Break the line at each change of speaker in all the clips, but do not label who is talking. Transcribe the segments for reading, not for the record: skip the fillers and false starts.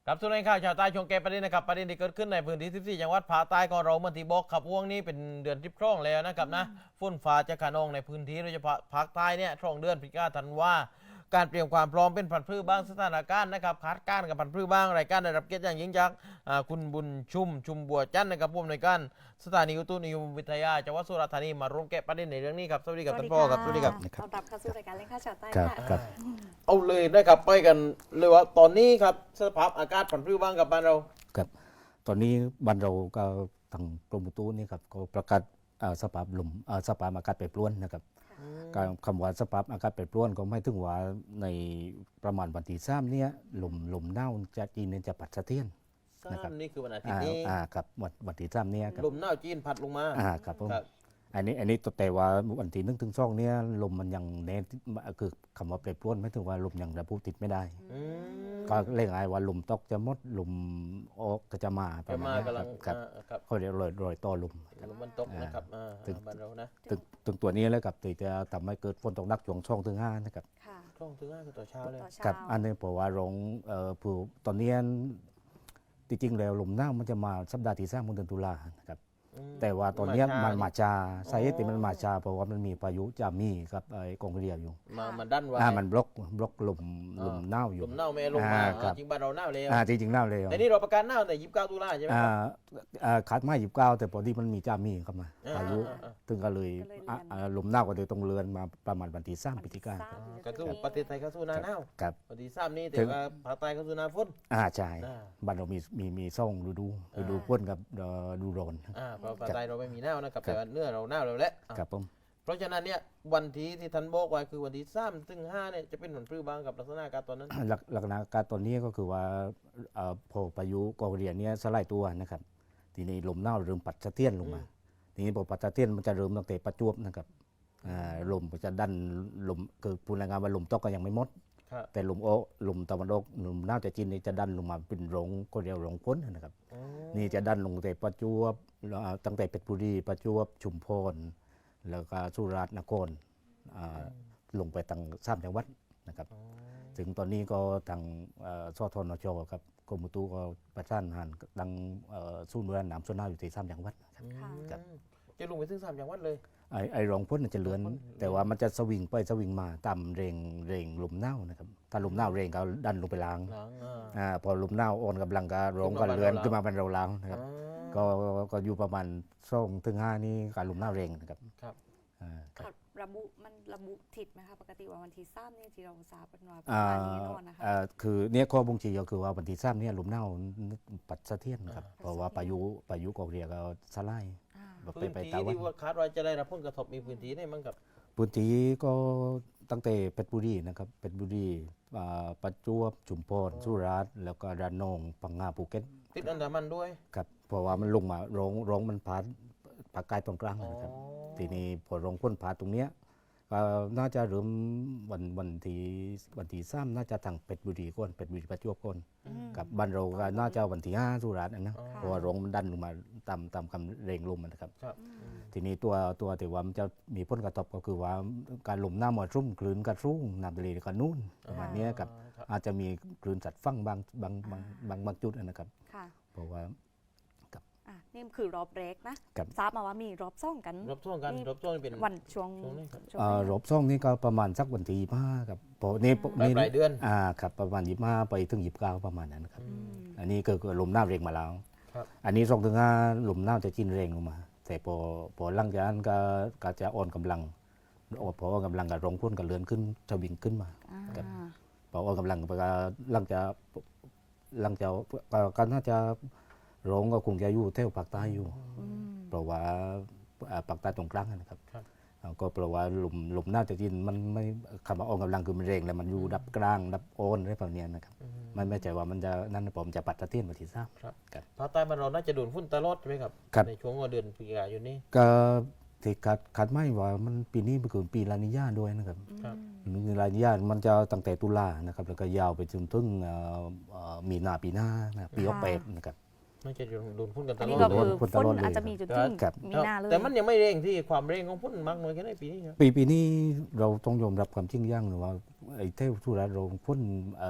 ครับส่วนในข่าวชาวใต้ชงแกประเด็นนะครับประเด็นที่เกิดขึ้นในพื้นที่14จังหวัดภาคใต้ของเราเมื่อที่บอกขับว่วงนี้เป็นเดือนที่ร่องแล้วนะครับนะฝนฟ้าจะขนองในพื้นที่โดยเฉพาะภาคใต้เนี่ยช่วงเดือนพฤศจิกายนธันวาการเตรียมความพร้อมเป็นผันพืชบ้างสถานการณ์นะครับคาดการณ์กับผันพืชบ้างรายการได้รับเกียรติอย่างยิ่งจากคุณบุญชุมบัวจันทร์นะครับผู้อำนวยการสถานีอุตุนิยมวิทยาจังหวัดสุราษฎร์ธานีมาร่วมแกะประเด็นในเรื่องนี้ครับสวัสดีครับท่านพ่อครับสวัสดีครับ
ต้อนรับเข้าสู่รายการเล่นข้าวชาวใต้
ครับ
ค่ะ
ครับ
เอาเลยนะครับไปกันเลยว่าตอนนี้ครับสภาพอากาศผันพืชบ้างกับบ้านเรา
ครับตอนนี้บ้านเราก็ทางกรมอุตุนี่ครับก็ประกาศสภาพลมสภาพอากาศแปรปรวนนะครับการคำว่าสภาพอากาศแปรปรวนก็ไม่ถึงว่าในประมาณวันที่3เนี่ยลมหนาวจะจีนเนี่ยจะปัดสะเทือน นะครับ
นี่คือวันอาทิตย์นี้
ครับวันที่3เนี่ยครับ
ลมหนาวจีนพัดลงมา
ครับผม
ครับ
อันนี้แต่ว่าวันที่1 ถึง 2เนี่ยลมมันยังแน่คือคำว่าแปรปรวนไม่ถึงว่าลมยังระบุติดไม่ได้
อืม
ก็เรียกไงว่าลมตกจะหมดลมออกก็จะมาประ
จะ
มาณ
มา
นี้
กำลัง
ครับ
ครับ
เขาเรียกรอยต่อลม
ลมมันตกนะครับ
ถึง
บ้านเรานะ
ถึงตัวนี้แล้วกับที่จะทำให้เกิดฝนตกหนักช่วง2 ถึง 5นะครับ
ค่ะ
ช่วงถึง5คือต่อเช้าเลย
ต่อเช้า
กับอันนี้เพราะว่าโรงผู้ตอนนี้จริงๆแล้วลมหนาวมันจะมาสัปดาห์ที่3ของเดือนตุลานะครับ
อืม
แต่ว่าตอนเนี้ยมันมาช้า
อ๋อ
สาเหตุที่มันมาช้าเพราะว่ามันมีพายุจามีกับไอ้กองเรียอยู่
มาดันไว้
มันบล็อกลมหนาวอยู่
ลมหนาวไม่ลงมา
ครับ
จริงบ้านเราหนาวเลย
จริงๆหนาวเลย
แต่นี่เราประกาศหนาวแต่29ตุลาใช่ไหมครับ
ขาดไม้29แต่พอดีมันมีจามีเข้ามา
อ่า
พายุ
อ่า
ถึงก็เลยลมหนาวก็เลยต้องเลือนมาประมาณวันที่3 พฤศจิกายน
ก็คือประเทศไทยเข้าสู่หน้าหนาว
ครับ
วันที่3นี้แต่
ถึง
ว่าภาคใต้เข้าสู่หน้าฝน
ใช่
อ่า
บ้านเรามีซ่องฤดูฝนกับฤดูร้อน
เพราะภาคใต้เราไม่มีหนาวนะครับ
ครับ
แต่ว่าเนื้อเราหนาวแล้วแหละ
ครับผม
เพราะฉะนั้นเนี่ยวันที่ท่านบอกไว้คือวันที่3ถึง5เนี่ยจะเป็นผลพลื้บ้างกับลักษณะอากาศตอนนั้น
ลักษณะการตอนนี้ก็คือว่าพอพายุกอเรียนเนี้ยสลายตัวนะครับทีนี้ลมหนาวเริ่มปัดสะเทือนลงมาทีนี้พอปัดสะเทือนมันจะเริ่มตั้งแต่ประจวบนะครับลมก็จะดันลมคือพูดง่ายๆว่าลมตกก็ยังไม่หมด
ครับ
แต่ลมตะวันออกลมหนาวจากจีนนี่จะดันลงมาเป็นรงก็เรียกรงพ้นนะครับ
อ๋อ
นี่จะดันลงแต่ประจวบตั้งแต่เพชรบุรีประจวบชุมพรแล้วก็สุราษฎร์นครลงไปทาง3 จังหวัดนะครับ ถึงตอนนี้ก็ทางสทนชกับกรมอุตุก็ประสานงานดังศูนย์บริหารน้ำส่วนหน้าอยู่ที่3 จังหวัดครับ ครับ
จะลงไปถึง3จังหวัดเลย
ไอ้รองพ้นจะเลือน แต่ว่ามันจะสวิงไปสวิงมาตามเร่งลมหนาวนะครับถ้าลมหนาวเร่งก็ดันลงไปล้าง
หลัง
พอลมหนาวอ่อนกำลังก็ร้องก็เลือนขึ้นมาเป็นเราล้างนะครับ ก็อยู่ประมาณ2 ถึง 5นี่การลมหนาวเร่งนะครับ
ครับ
ครับ
ระบุทิศไหมคะปกติว่าวันที่3เนี่ยที่เราทราบกันว่าประมาณนี้นอนนะคะ
คือเนี่ยข้อบ่งชี้ก็คือว่าวันที่3เนี่ยลมหนาวปัดสะเทือนครับเพราะว่าพายุกอกเรียก็สลาย
อ่า
แบบ
พื้น
ไป
ที่
ตะวัน
ที่ว่าคาดว่าจะได้รับผลกระทบมีพื้นที่ไหนบ้างครับ
พื้นที่ก็ตั้งแต่เพชรบุรีนะครับเพชรบุรีประจวบชุมพรสุราษฎร์แล้วก็ระนองพังงาภูเก็ต
ติดอันดามันด้วย
ครับเพราะว่ามันลงมาร้องมันผ่านภาคใต้ตรงกลางนะครับทีนี้พอร้องพ้นผ่านตรงเนี้ยก็น่าจะเริ่มวันที่3น่าจะทางเพชรบุรีก่อนเพชรบุรีประจวบก่อนกับบ้านเราก็น่าจะวันที่5สุราษฎร์นะเพราะว่าร้องมันดันลงมาตามคำเร่งลมนะครับ
ครับ
ทีนี้ตัวที่ว่ามันจะมีผลกระทบก็คือว่าการลมหน้ามารุ่มคลื่นกระรุ่งน้ำทะเลก็นุ่นประมาณเนี้ยครับอาจจะมีคลื่นสัตว์ฟังบางจุดนะครับ
ค่ะ
เพราะว่า
นี่คือรอบแรกนะครับ ทราบมาว่ามีรอบซ่องกัน
รบช่วงกัน
นี่
รบช่วงเป็น
วันช่วง
ช่วงนี้ครับ
ช่วงนี้
รอบซ่องนี่ก็ประมาณสักวันที่25ครับเพราะนี่
ปลายเดือน
ครับประมาณ25ไปถึง29ประมาณนั้นครับ
อืม
อันนี้ก็คือลมหน้าเร่งมาแล้ว
ครับ
อันนี้2 ถึง 5ลมหน้าจะจีนเร่งลงมา แต่พอหลังจากนั้นก็จะอ่อนกำลังพออ่อนกำลังก็ร้องพ่นก็เลื่อนขึ้นจะวิ่งขึ้นมา ครับ พออ่อนกำลังก็หลังจากก็น่าจะร้องก็คงจะอยู่แถวภาคใต้อยู่
อืม
เพราะว่าภาคใต้ตรงกลางนะครับ
ครับ
ก็เพราะว่าลมหน้าจะจีนมันไม่คำว่าอ่อนกำลังคือมันเร่งแล้วมันอยู่ดับกลางดับโอนอะไรแบบเนี้ยนะครับไม่ใช่ว่ามันจะนั่นผมจะปัดตะเทียนมาที่ทราบ
ครับ
ครับ
ภาคใต้บ้านเราน่าจะโดนฝุ่นตลอดใช่ไหมครับ
ครับ
ในช่วงเดือนพฤศจิกายนนี้
ก็ที่คาดไม่ว่ามันปีนี้เป็นปีลานิญาด้วยนะครับ
ครับ
ลานิญามันจะตั้งแต่ตุลานะครับแล้วก็ยาวไปจนถึงมีนาปีหน้านะปี68นะครับ
น่าจะโดนฝุ่นกันต
อัน
ล
นี้
อ
ก็
ด
คือ
ฝุ่นต
ฝน
ลอดเลย
อาจจะมีจุดที่
ครับ
มีหน้าเลย
แต่มันยังไม่เร่งที่ความเร่งของฝุ่นมากน้อยแค่ไหนปีนี้ครับ
ปีนี้เราต้องยอมรับความจริงอย่างหนึ่งว่าไอ้เทวสุราษฎร์เราพ่น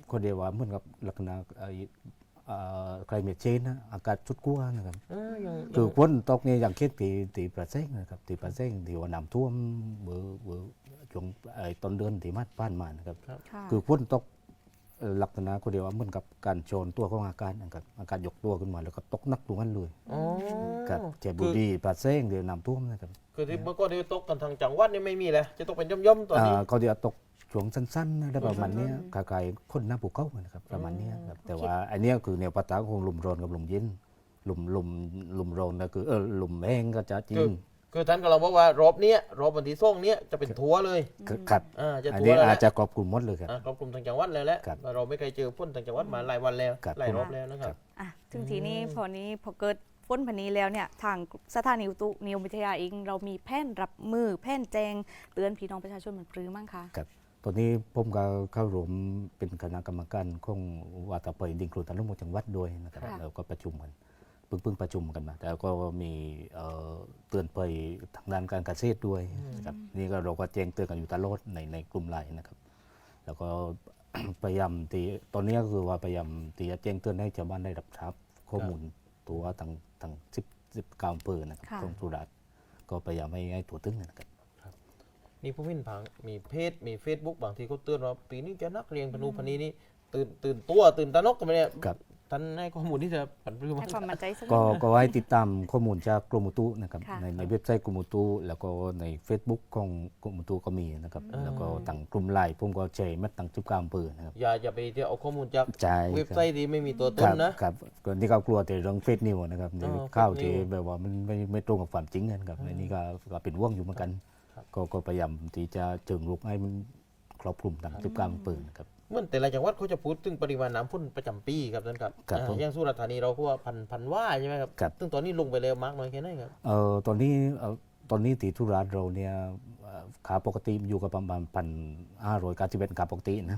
คนเดียวว่าเหมือนกับลักษณะใครเมชเชนนะอากาศชุดกั้วนะครับ คือฝนตกเนี่ยอย่างเช่นตีประเซงนะครับตีประเซงที่ว่าน้ำท่วมเบอช่วงต้นเดือนที่มาผ่านมานะครับ
ค่ะ
คือฝนตกลักษณะคนเดียวว่าเหมือนกับการโจรตัวของอากาศนะครับอากาศยกตัวขึ้นมาแล้วก็ตกหนักตรงนั้นเลย
อ๋อ
ครับเจบุรีประเซงเดี๋ยวน้ำท่วมนะครับ
คือที่เมื่อก่อนที่ตกกันทางจังหวัดนี่ไม่มีเลยจะตกเป็นย่อมๆตอนนี้
เขาเดี๋ยวตกช่วงสั้นๆนะได้ประมาณเนี้ย
สั้น
คล้ายๆคนหน้าภูเขานะครับประมาณเนี้ยครับแต่ว่าอันเนี้ยคือแนวปะทะของลมร้อนกับลมเย็นลมร้อนนะคือลมแห้งก็จะจีน
คือท่านก็เราบอกว่ารอบเนี้ยรอบวันที่ส่งเนี้ยจะเป็นทัวร์เลย
ครับ
จะ
อัน
ทัว
นี้
ร์แล้วแห
อาจ
ละ
จะครอบคลุมหมดเลยครับ
ครอบคลุมทางจังหวัดเลยแหละ
ครับ
เราไม่เคยเจอฝนทางจังหวัดมาหลายวันแล้ว
ครับ
หลายรอบแล้วนะครับ
อ่ะถึงทีนี้พอเกิดฝนพันนี้แล้วเนี่ยทางสถานีอุตุนิยมวิทยาเองเรามีแผนรับมือแผนแจงเตือนพี่น้องประชาชนมันปรือมั้งคะ
ตอนนี้ผมก็เข้ารวมเป็นคณะกรรมการของวัตเปยดิงครูตันลุงจังหวัดด้วยนะครับ
ค่ะ
แล้วก็ประชุมกันเพิ่งประชุมกันมาแต่ก็มีเตือนไปทางด้านการเกษตรด้วยนะครับนี่ก็เราก็แจ้งเตือนกันอยู่ตลอดในกลุ่มไลน์นะครับ แล้วก็ พยายามตีตอนนี้ก็คือว่าพยายามตีจะแจ้งเตือนให้ชาวบ้านได้รับทราบข้อมูลตัวทาง19อำเภอนะครับ
ค่ะ
ของสุราษฎร์ก็พยายามให้ถั่วตึ้งนะครับ
นี่ผู้วินผังมีเพจมี Facebook บางทีเขาเตือนว่าปีนี้จะนักเรียนพนูพนีนี่ตื่นตัวตื่นตระหนกกันไปเนี่ย
ครับ
ท่านให้ข้อมูลที่จะผันปรือมา
ให้ความมั่นใจสักนิด
ก็ให้ติดตามข้อมูลจากกรมอุตุนะครับ
ค่ะ
ในเว็บไซต์กรมอุตุแล้วก็ใน Facebook ของกรมอุตุก็มีนะครับแล้วก็ต่างกลุ่มไลน์ผมก็แชร์มาต่างจุดกลางอำเภอนะครับ
อย่าไปเที่ยวเอาข้อมูลจาก
ใช่
เว็บไซต์ที่ไม่มีตัวต
คน รับ
นะครับ
ก่อนที่เขากลัวแต่เรื่องเฟซนิวนะครับ
อ๋อ
ข้าว
fake
ที่
news
แบบว่ามันไม่ตรงกับความจริงนะครับในนี้ก็เป็นว่วงอยู่เหมือนกัน ก็พยายามที่จะเจิงลุกให้มันครอบคลุมต่างจุดกลางอำเภอนะครับ
เหมื่อนแต่ละจังหวัดเขาจะพูดถึงปริมาณน้ำฝนประจำปีครับท่านครับ
ครับผม
อย่างสุราษฎร์ธานีเราก็ว่าพันว่าใช่ไหมครับ
ครับ
ซึ่งตอนนี้ลงไปแล้วมากน้อยแค่ไหนครับ
ตอนนี้ที่ทุราษฎร์เราเนี่ยขาปกติอยู่กับประมาณ1,591ขาปกตินะ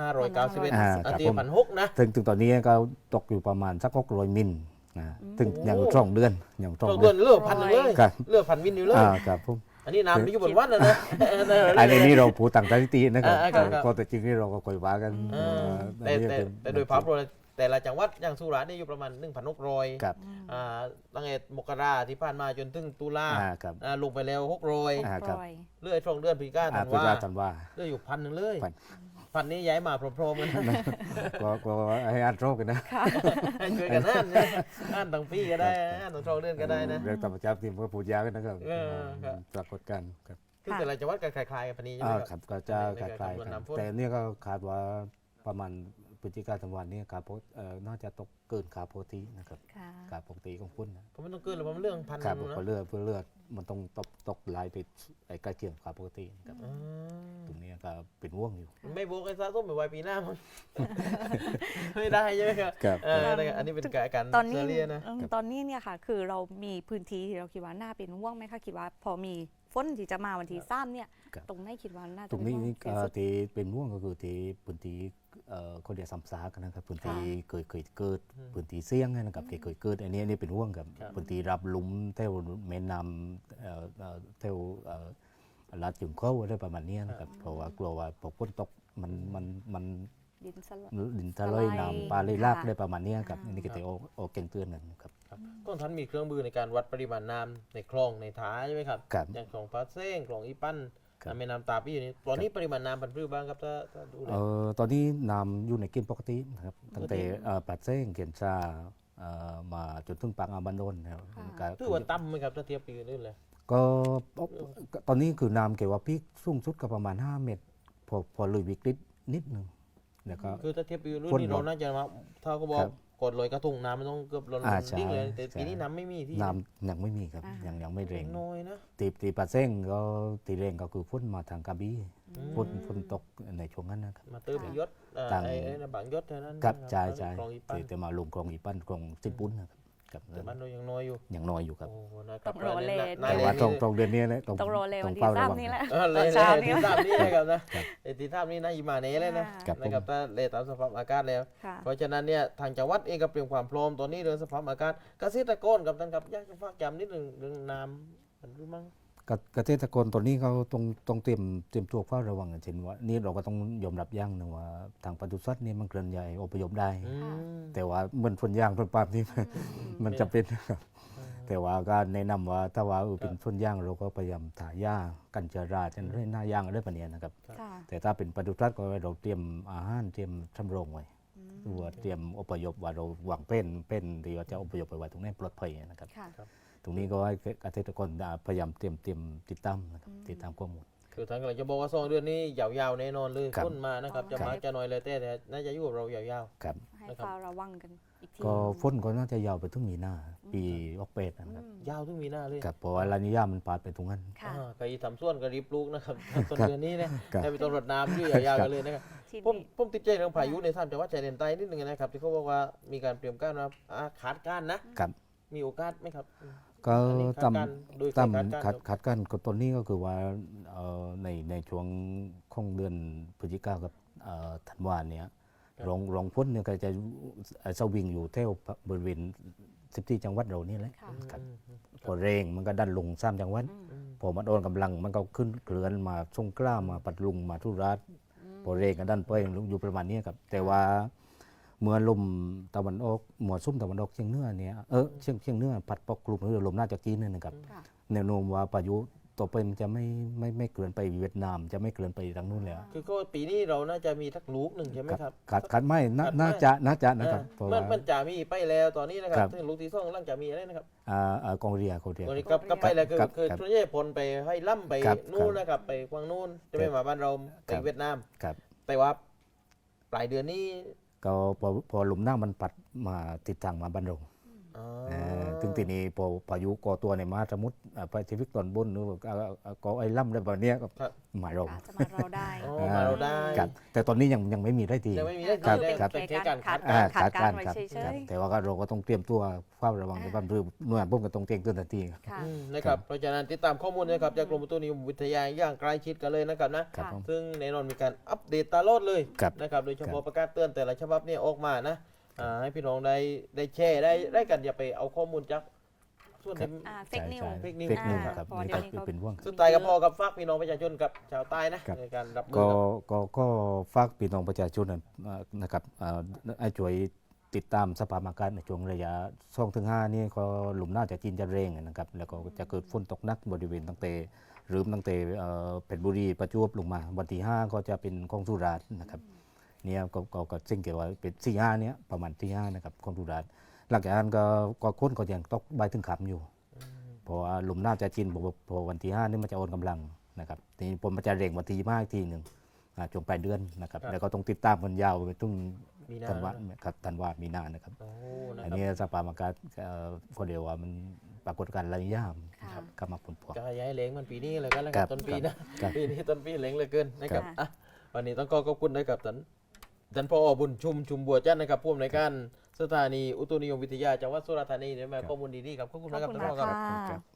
1,591
อ่า
อัน
ครับ
ที่
ผม
1,600นะ
ถึงตอนนี้ก็ตกอยู่ประมาณสัก600มิลนะถึงอย่างช่องเดือนอย่างช่อง
เรา
เดื
เดื
อ
อน นเลือกพันหนึ่งเลย
ครับ
เลือกพันวินอยู่เลย
ครับผม
อันนี้น้ำที่อยู่บนวัดนะนะ
อันนี้เราพูดต่างสถิตินะครับ
ครับ
ก็แต่จริงที่เราก็ค่อยว่ากัน
แต่
อันนี้
แต่
เป็น
แต่โดยภาพรวมแต่ละจังหวัดอย่างสุราษฎร์นี่อยู่ประมาณ 1,600
ครับ
ตั้งแต่มกราที่ผ่านมาจนถึงตุลา
ครับ
ลงไปแล้ว600
ครับ
ปล่อย
เลื่อยช่องเดือนพฤศจิกาธัน
พุท
วา
ธธันว่า
เลื่อยอยู่1,000เลย
พัน
พันนี้ย้ายมาพร้อมๆกัน
ก็ให้อ่านโรคกันนะ
ให้ช่วยกันอ่านตั้งปีก็ได้อ่านตั้งช่องเดือนก็ได้นะ
เรื่องธรรมชาติที่มันก็พูดยาวกันนะครับ
ครับ
ปรากฏการณ์ครับ
ซึ่งแต่ละจังหวัดก็คล้ายๆกันปานนี้ใช่ไหม
ครับก็จะคล้ายๆกัน
น้ำฝน
แต่เนี่ยก็คาดว่าประมาณพฤศจิกาธันวานี้ขาน่าจะตกเกินขาปกตินะครับ
ค่ะ
ขาปกติของคุณนะ
เพราะมันต้องเกินหรือมันเรื่องพัน
ครับ
นะ
เพราะเลือดมันต้องตกลายไปไอ้ใกล้เคียงขาปกตินะครับ
อืม
ตรงนี้ก็เป็นว่วงอยู่
ไม่โบกไอ้ซาส้มไปไว้ปีหน้ามัน ไม่ได้ใช่ไหมครับ
ครับ
แต่อันนี้เป็นการ
ตอนนี้
เซเรียนะ
ตอนนี้เนี่ยค่ะ คือเรามีพื้นที่ที่เราคิดว่าน่าเป็นห่วงไหมคะคิดว่าพอมีฝนที่จะมาวันที่3เนี่ย
ครับ
ตรงไหนคิดว่าน่าจะ
ตรงนี้
เป็ห่วงที่สุด
ที่เป็นว่วงก็คือที่พื้นที่เขาเรียกซ้ำซากนะครับพื้นที่เคยเกิดพื้นที่เสี่ยงนะครับที่เคยเกิดอันนี้เป็นว่วงกับพื้นที่รับหลุมแถวแม่น้ำแถวลาดจุ่มเข้าอะไรประมาณนี้นะครับเพราะว่ากลัวว่าพอฝนตกมัน
ดินสลาย
ดินทะเลน้ำปลาเลยลาก
ค่ะ
ได้ประมาณนี้ครับ
อ่า
อันนี้ก็จะออกแกงเตือนกันครับ
ครับต้นท่านมีเครื่องมือในการวัดปริมาณน้ำในคลองในท้ายใช่ไหมครับ
ครับ
อย่างคลองพระเส้งคลองอีปั้น
ครับ
แม่น้ำตาปี้อยู่นี่ตอนนี้ปริมาณน้ำพันธุ์พืชบ้างครับถ้าดูเลย
ตอนนี้น้ำอยู่ในเกณฑ์ปกตินะครับตั้งแต่ปัดเส้งเกียนชามาจนถึงปากอ่าวบันโดนนะครับก็
ถือว่าต่ำไหมครับถ้าเทียบปีอื่นเลย
ก็ตอนนี้คือน้ำเกี่ยวกับพีคสูงสุดก็ประมาณ 5 เมตร พอเลยวิกฤตนิดหนึงแล้วก็
คือถ้าเทียบปีอื่น
ฝน
นี่
หม
เรา
ด
น่าจะมาถ้าเขาบอก
ครับ
กดลอยกระทงน้ำมันต้องเกือบล้น
ใช่
ดิ้งเลยแต่
ใช่
ปีนี้น้ำไม่มีที่
น้ำยังไม่มีครับยังไม่แรง
น้อยนะ
ตีปัดเส้งก็ตีแรงก็คือฝนมาทางกระบี่ฝนตกในช่วงนั้นนะครับ
มาเติมยศ
ต่าง
ไอ้บางยศเท่านั้น
ครับ
นะ
ใช่ใช่
คลองอีปั้น
แต่มาลงคลองอีปั้นคลองสิบปุ้นนะครับครับ
แต่บ้านเรายังน้อยอยู่
ยังน้อยอยู่ครับ
โอ้โหนะครับ
ต้องรอเลท
หน้า
แต่
แรง
ว่า
นี่
ตรงเดือนนี้นะ
ต้องรอเลยวันที่
เฝ้ระ
3นี่แหละ
เล
ตอน
ย
เช้า
ที่
นี่
ทราบนี่นะครับนะที่ทราบนี่นะอีมาเน่เลยนะ
ครับ
นะครับถ้าเลตามสภาพอากาศแล้ว
ค่ะ
เพราะฉะนั้นเนี่ยทางจังหวัดเองก็เตรียมความพร้อมตอนนี้เรื่องสภาพอากาศเกษตรกรกับท่านครับอยากจะฝากย้ำนิดหนึ่งเรื่องน้ำมันรู้มั้ง
เกษตรกรตอนนี้เขาต้องเตรียมตัวเฝ้าระวังเช่นว่านี่เราก็ต้องยอมรับอย่างหนึงว่าทางปศุสัตว์นี่มันเคลื่อนย้ายอพยพได้ แต่ว่าเหมือนส่วนยางส่วนปาล์มนี่ มันจะเป็นนะครับแต่ว่าก็แนะนำว่าถ้าว่าเป็นส่วนยางเราก็พยายามถ่ายหญ้ากันเชื้อราจนให้หน้ายางอะไรแบบนี้นะครับ
ค่ะ
แต่ถ้าเป็นปศุสัตว์ก็เราเตรียมอาหารเตรียมชำรองไว้หรือว่าเตรียมอพยพว่าเราหวังเป็นที่ว่าจะอพยพไปไว้ตรงนี้ปลอดภัยนะครับ
ค่ะ
ตรงนี้ก็ให้เกษตรกรพยายามเตรียมติดตามนะครับติดตามข้อมูล
คือทางกำลังจะบอกว่า2 เดือนนี้ยาวๆแน่นอนเลย
ครับ
ต้นมานะครับจะ
ครับ
มาจะน้อยเลยแต่น่าจะอยู่กับเรายาว
ครับ
ให้เฝ้าระวังกันอีกที
ก็ฝนก็น่าจะยาวไปถึงมีนาปีออกเป็ดนะครับ
ๆยาวถึงมีหน้าเลย
ครับเพราะว่าลานิยามันปาดไปตรงนั้น
ค่ะ
ใครทำส่วนก็รีบปลูกนะครับต้น
ครับ
เดือนนี้เนี่ย
ครับ
ได้ไปต้นรดน้ำอยู่ยาวๆกันเลยนะครับ
ที
ผม
นี้
ผมติดใจเรื่องพายุใน3จังหวัดชายแดนใต้นิดนึงนะครับที่เขาบอกว่ามีการเตรียมการว่าขาดการนะครับ มีโอกาสไหมครับ
ก็
อันนี้
ตาม
คาดการณ์โดย
ตาม
คาดการณ์
คัดกันก็ตอนนี้ก็คือว่าในช่วงของเดือนพฤศจิกายนกับธันวาเนี่ยรองพ้นเนี่ยก็จะสวิงอยู่แถวบริเวณ14จังหวัดเรานี่แหละ
ค่ะ
ครับพอเร่งมันก็ดันลง3จังหวัดพอมันอ่อนกำลังมันก็ขึ้นเกลือนมาสงขลามาปัตตานีมาทุราษฎร์พอเร่งก็ดันไปอยู่ประมาณนี้ครับแต่ว่าเมื่อลมตะวันออกหมวดซุ่มตะวันออกเชียงเหนือเนี่ยเชียงเหนือพัดปกกลุ่มหรือลมน่าจะจีนเนี่ยนะครับ
ค่ะ
แนวโน้มว่าพายุต่อไปมันจะไม่เกลื่อนไปเวียดนามจะไม่เกลื่อนไปทางนู้นแล้ว
คือก็ปีนี้เราน่าจะมีทักลูกหนึ่งใช่ไหมครับ
ขาดไม่
ขาดไม่
น่าจะนะครับเพราะ
มั
ว่าน
จะมีไปแล้วตอนนี้นะค
ครั
รับบ ซึ่งลูกที่สองกำลังจะมีอะไรนะครับ
กองเรีย
ตอนนี้ก็ไปแล้วคือ
ครับ
คือ
ครับ
ทุนเย่พลไปให้ล่ำไป
ครับ
นู่นนะครับไปกวางนู่นจะไม่มาบ้านเราไป
ครับ
เวียดนาม
ครับ
แต่ว่าปลายเดือนนี้
ก็พอลมหน้ามันปัดมาติดทางมาบ้านเรา
อ๋อ
ถึงทีนี้พอพายุก่อตัวในมหาสมุทรแปซิฟิกตอนบนหรือว่าก่อไอ้ล่ำอะไรแบบเนี้ยก็
ครับ
มาเรา
อาจจะมาเราได้
อ๋อมาเราได้
ครับแต่ตอนนี้ยังไม่มีได้ที
ยังไม่มีได้
ครับ
ได้
ครับ
เป็นแค่การคาด
ขาด
การณ์
ไว้
ครับ
เฉยๆ
ครับแต่ว่าก็เราก็ต้องเตรียมตัวเฝ้าระวังในบ้านเรือหน่วยพุ่มก็ต้องเตรียมตัวทันทีครับ
ค่ะ
นะครับเพราะฉะนั้นติดตามข้อมูลนะครับจากกรมอุตุนิยมวิทยาอย่างใกล้ชิดกันเลยนะครับนะ
ครับ
ค่ะ
ผม
ซึ่งแน่นอนมีการอัปเดตตลอดเลย
ครับ
นะครับโดยเฉพาะประกาศเตือนแต่ละฉบับเนี่ยออกมานะให้พี่น้องได้แชร์ได้กันอย่าไปเอาข้อมูลจากส่วนที่
เฟกนิว
fake news
เฟกนิว
อ่า
ครับ
เพราะ
นี่
เดี๋ยวนี้
ก็
เขา
เป็นห่วง
สุดท้ายกับพ่อกับฝากพี่น้องประชาชนกับชาวใต้นะครับ ในการรับมือ
ก็
กับ
ก็ฝากพี่น้องประชาชนนะครับให้ช่วยติดตามสภาพอากาศในช่วงระยะ2-5นี่ก็หลุมหน้าจากจีนจะเร่งนะครับแล้วก็จะเกิดฝนตกหนักบริเวณตั้งแต่เพชรบุรีประจวบลงมาวันที่5ก็จะเป็นของสุราษฎร์นะครับเนี่ยก็ซึ่งเกี่ยวกับเป็น4-5เนี่ยประมาณ4-5นะครับของสุราษฎร์หลังจากนั้นก็ค้นก็ยังตกใบถึงขับอยู่ เพราะว่าลมหน้าจะจีนพอวันที่5นี่มันจะอ่อนกำลังนะครับทีนี้ผมมันจะเร่งวันที่25อีกทีหนึ่งช่วงปลายเดือนนะครับแล้วก็ต้องติดตามกันยาวไปถึง
มีนา
ธันวาครับธันวามีนานะครับ
โอ้นะ
อัน
ครับ
นี้สภาพอากาศก็เรียกว่ามันปรากฏการณ์ระยะ
ค่ะ
ก็มาผลพวง
จะย้ายเล้งมันปีนี้เลยกันแล้วค
ครั
รับบ ต้นปีนะครับ ปีนี้ต้นปีเล้งเหลยเกินนะครับ
ครับ
อ่ะวันนี้ต้องขอบคุณนะครับท่านผอบุญชุมบัวจันทร์นะครับผู้อำนวยการสถานีอุตุนิยมวิทยาจังหวัดสุราษฎร์ธานีได้มาข้อมูลดีๆครับขอบคุณ
ขอบ
นะครับ
คุณ
ท่านผอ
มา
ครับ
กค่ะ